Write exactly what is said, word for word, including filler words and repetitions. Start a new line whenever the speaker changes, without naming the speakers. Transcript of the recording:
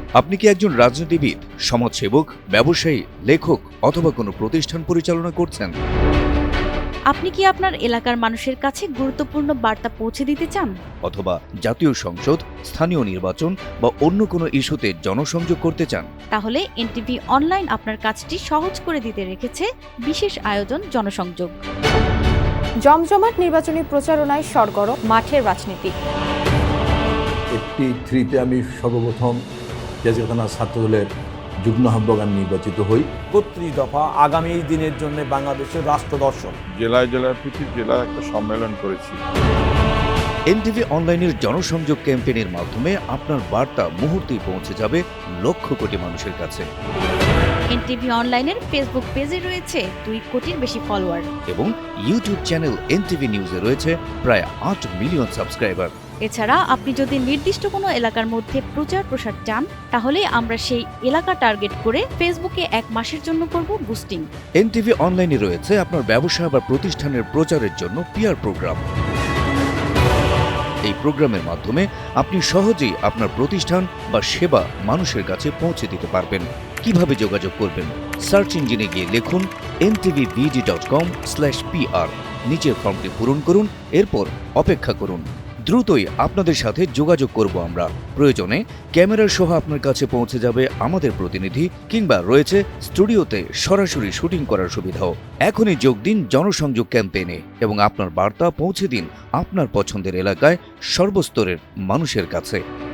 আপনি কি একজন রাজনীতিবিদ, সমাজসেবক, ব্যবসায়ী, লেখক অথবা কোনো প্রতিষ্ঠান পরিচালনা করছেন?
আপনি কি আপনার এলাকার মানুষের কাছে গুরুত্বপূর্ণ বার্তা পৌঁছে দিতে চান?
অথবা জাতীয় সংসদ, স্থানীয় নির্বাচন বা অন্য কোনো ইস্যুতে জনসংযোগ করতে চান?
তাহলে এনটিভি অনলাইন আপনার কাজটি সহজ করে দিতে রেখেছে বিশেষ আয়োজন জনসংযোগ।
জমজমাট নির্বাচনী প্রচারণায় সরগরম মাঠের রাজনীতি।
এইটটি থ্রিতে আমি সর্বপ্রথম জাজিরখানা ছাত্রদলের যুগ্ম আহ্বায়ক আমি নির্বাচিত হই।
একত্রিশ দফা আগামী দিনের জন্য বাংলাদেশের রাষ্ট্র দর্শন।
জেলায় জেলায় প্রতি জেলায় একটা সম্মেলন করেছি।
এনটিভি অনলাইনের জনসংযোগ ক্যাম্পেইনের মাধ্যমে আপনার বার্তা মুহূর্তেই পৌঁছে যাবে লক্ষ কোটি মানুষের কাছে।
এনটিভি অনলাইনের ফেসবুক পেজে রয়েছে দুই কোটির বেশি ফলোয়ার
এবং ইউটিউব চ্যানেল এনটিভি নিউজে রয়েছে প্রায় আট মিলিয়ন সাবস্ক্রাইবার।
এছাড়া আপনি যদি নির্দিষ্ট কোনো এলাকার মধ্যে প্রচার প্রসার চান, তাহলে আমরা সেই এলাকা টার্গেট করে ফেসবুকে এক মাসের জন্য করব বুস্টিং।
এনটিভি অনলাইনে রয়েছে আপনার ব্যবসা বা প্রতিষ্ঠানের প্রচারের জন্য পিআর প্রোগ্রাম। এই প্রোগ্রামের মাধ্যমে আপনি সহজেই আপনার প্রতিষ্ঠান বা সেবা মানুষের কাছে পৌঁছে দিতে পারবেন। কিভাবে যোগাযোগ করবেন? সার্চ ইঞ্জিনে গিয়ে লিখুন N TV V D dot com slash P R. নিচের ফর্মটি পূরণ করুন, এরপর অপেক্ষা করুন। দ্রুতই আপনাদের সাথে যোগাযোগ করব আমরা। প্রয়োজনে ক্যামেরার সহ আপনার কাছে পৌঁছে যাবে আমাদের প্রতিনিধি, কিংবা রয়েছে স্টুডিওতে সরাসরি শুটিং করার সুবিধাও। এখনই যোগ দিন জনসংযোগ ক্যাম্পেইনে এবং আপনার বার্তা পৌঁছে দিন আপনার পছন্দের এলাকায় সর্বস্তরের মানুষের কাছে।